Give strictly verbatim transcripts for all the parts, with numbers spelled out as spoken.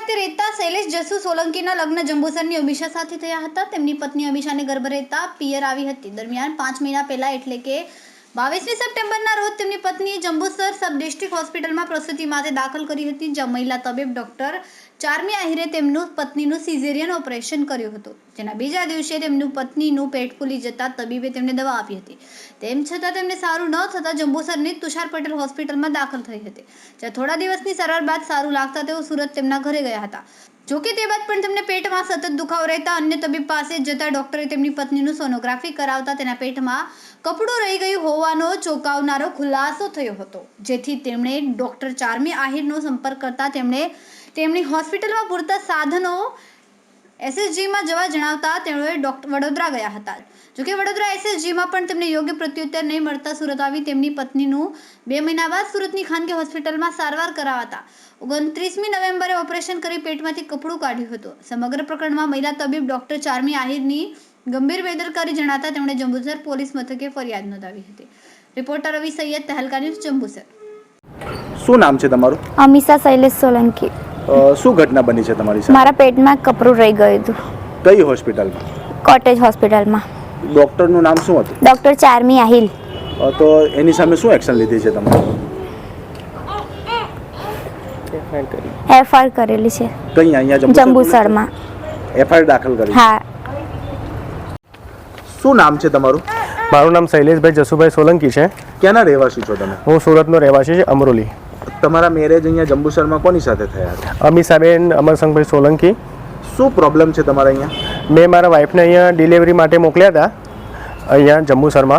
ખાતે રહેતા શૈલેષ જસુ સોલંકીના લગ્ન જંબુસરની અમીષા સાથે થયા હતા। તેમની પત્ની અમીષાને ગર્ભ રહેતા પિયર આવી હતી। દરમિયાન પાંચ મહિના પહેલા એટલે કે બાવીસમી સપ્ટેમ્બરના રોજ તેમની પત્નીએ જંબુસર સબ ડિસ્ટ્રિક્ટ હોસ્પિટલમાં પ્રસૂતિ માટે દાખલ કરી હતી, જ્યાં મહિલા તબીબ ડોક્ટર ચારમી આહિરે તેમનું પત્નીનું સિઝેરિયન ઓપરેશન કર્યું હતું, જેના બીજા દિવસે તેમનું પત્નીનું પેટ ફૂલી જતા તબીબે તેમને દવા આપી હતી। તેમ છતાં તેમને સારું ન થતાં જંબુસરની તુષાર પટેલ હોસ્પિટલમાં દાખલ થઈ હતી, જ્યાં થોડા દિવસની સારવાર બાદ સારું લાગતા તેઓ સુરત તેમના ઘરે ગયા હતા। જોકે તે બાદ પણ તેમને પેટમાં સતત દુખાવો રહેતા અન્ય તબીબ પાસે જતા ડોક્ટરે તેમની પત્નીનું સોનોગ્રાફી કરાવતા તેના પેટમાં કપડું રહી ગયું હોવાનો ચોંકાવનારો ખુલાસો થયો હતો, જેથી તેમણે ડોક્ટર ચારમી આહિરનો સંપર્ક કરતા તેમણે તેમની હોસ્પિટલમાં પૂરતા સાધનો એસએસજીમાં જવા જણાવતા તેઓએ ડોક્ટર વડોદરા ગયા હતા। જોકે વડોદરા એસએસજીમાં પણ તેમને યોગ્ય પ્રત્યુત્તર નહીં મળતા સુરત આવી તેમની પત્નીનું બે મહિના બાદ સુરતની ખાનગી હોસ્પિટલમાં સારવાર કરાવતા ઓગણત્રીસમી નવેમ્બરે ઓપરેશન કરી પેટમાંથી કપડું કાઢ્યું હતું। સમગ્ર પ્રકરણમાં મહિલા તબીબ ડોક્ટર ચારમી આહિરની ગંભીર બેદરકારી જણાતા તેમણે જંબુસર પોલીસ મથકે ફરિયાદ નોંધાવી હતી। Reporter Ravi Saiyed, Tehelka news, Jambusar. શું નામ છે તમારું? અમીષા શૈલેષ સોલંકી। શું ઘટના બની છે તમારી સાથે? મારા પેટમાં કપડું રહી ગયું હતું। કઈ હોસ્પિટલમાં? કોટેજ હોસ્પિટલમાં। ડોક્ટરનું નામ શું હતું? ડોક્ટર ચારમી આહિર। તો એની સામે શું એક્શન લીધી છે તમારે? એફઆઈઆર કરેલી છે। કઈ અહીંયા જંબુસરમાં એફઆઈઆર દાખલ કરી? હા। શું નામ છે તમારું? મારું નામ શૈલેષભાઈ જસુભાઈ સોલંકી છે। ક્યાંના રહેવાસી છો તમે? હું સુરતનો રહેવાસી છે, અમરોલી। તમારા મેરેજ અહીંયા જંબુસરમાં કોની સાથે થયા હતા? અમીષાબેન અમરસંગભાઈ સોલંકી। શું પ્રોબ્લેમ છે તમારા અહીંયા? મેં મારા વાઈફને અહીંયા ડિલિવરી માટે મોકલ્યા હતા, અહીંયા જંબુસરમાં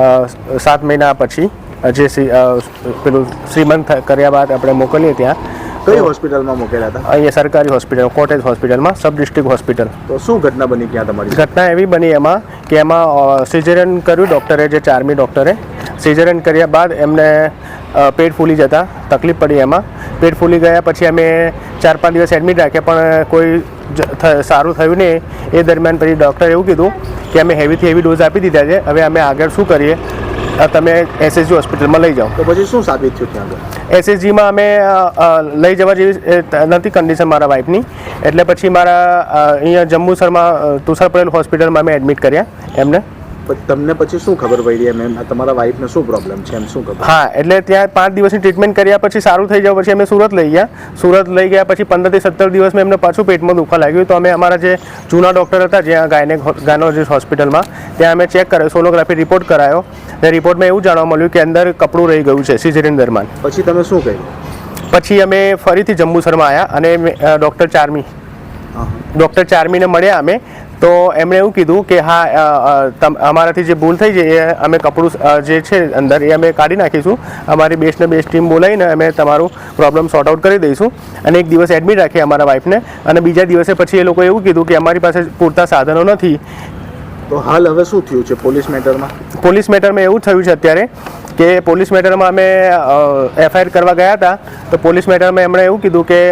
સાત મહિના પછી, જે પેલું શ્રીમંત કર્યા બાદ આપણે મોકલીએ ત્યાં। કઈ હોસ્પિટલમાં મોકલ્યા હતા? અહીંયા સરકારી હોસ્પિટલ, કોટેજ હોસ્પિટલમાં, સબ ડિસ્ટ્રિક્ટ હોસ્પિટલ। તો શું ઘટના બની ત્યાં તમારી? ઘટના એવી બની એમાં કે એમાં સિઝેરિયન કર્યું ડૉક્ટરે, જે ચારમી ડૉક્ટરે સિઝેરિયન કર્યા બાદ એમને પેટ ફૂલી જતા તકલીફ પડી। એમાં પેટ ફૂલી ગયા પછી અમે ચાર પાંચ દિવસ એડમિટ રાખ્યા, પણ કોઈ સારું થયું નહીં। એ દરમિયાન પછી ડૉક્ટરે એવું કીધું કે અમે હેવીથી હેવી ડોઝ આપી દીધા છે, હવે અમે આગળ શું કરીએ, તમે એસએસજી હોસ્પિટલમાં લઈ જાઓ। તો પછી શું સાબિત થયું ત્યાં આગળ? એસએસજીમાં અમે લઈ જવા જેવી નથી કન્ડિશન મારા વાઈફની, એટલે પછી મારા અહીંયા જંબુસરમાં તુષાર પટેલ હોસ્પિટલમાં અમે એડમિટ કર્યા એમને। તમને પછી શું ખબર પડી એમ એમ તમારા વાઈફને શું પ્રોબ્લેમ છે એમ શું ખબર? હા, એટલે ત્યાં પાંચ દિવસની ટ્રીટમેન્ટ કર્યા પછી સારું થઈ જાય પછી અમે સુરત લઈ ગયા। સુરત લઈ ગયા પછી પંદરથી સત્તર દિવસમાં એમને પાછું પેટમાં દુખવા લાગ્યું, તો અમે અમારા જે જૂના ડૉક્ટર હતા જ્યાં ગાયનેક ગાયનોલોજીસ્ટ હોસ્પિટલમાં, ત્યાં અમે ચેક કરાયો, સોનોગ્રાફી રિપોર્ટ કરાયો। તે રિપોર્ટમાં એવું જાણવા મળ્યું કે અંદર કપડું રહી ગયું છે સિઝેરિયન દરમિયાન। પછી તમે શું કર્યું? પછી અમે ફરીથી જંબુસરમાં આવ્યા અને ડૉક્ટર ચારમી ડૉક્ટર ચારમીને મળ્યા અમે, તો એમણે એવું કીધું કે હા, અમારાથી જે ભૂલ થઈ છે એ અમે કપડું જે છે અંદર એ અમે કાઢી નાખીશું, અમારી બેસ્ટને બેસ્ટ ટીમ બોલાવીને અમે તમારું પ્રોબ્લેમ સોર્ટ આઉટ કરી દઈશું। અને એક દિવસ એડમિટ રાખીએ અમારા વાઈફને, અને બીજા દિવસે પછી એ લોકોએ એવું કીધું કે અમારી પાસે પૂરતા સાધનો નથી। તો હાલ હવે શું થયું છે પોલીસ મેટરમાં? પોલીસ મેટરમાં એવું થયું છે અત્યારે કે પોલીસ મેટરમાં અમે એફઆઈઆર કરવા ગયા હતા, તો પોલીસ મેટરમાં એમણે એવું કીધું કે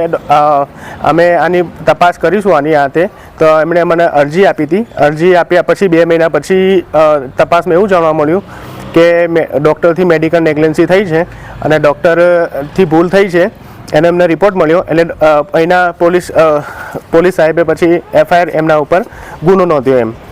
અમે આની તપાસ કરીશું આની હાથે। તો એમણે મને અરજી આપી હતી। અરજી આપ્યા પછી બે મહિના પછી તપાસમાં એવું જાણવા મળ્યું કે ડૉક્ટરથી મેડિકલ નેગ્લેન્સી થઈ છે અને ડૉક્ટરથી ભૂલ થઈ છે, એને એમને રિપોર્ટ મળ્યો। એટલે અહીંના પોલીસ પોલીસ સાહેબે પછી એફઆઈઆર એમના ઉપર ગુનો નોંધ્યો એમ।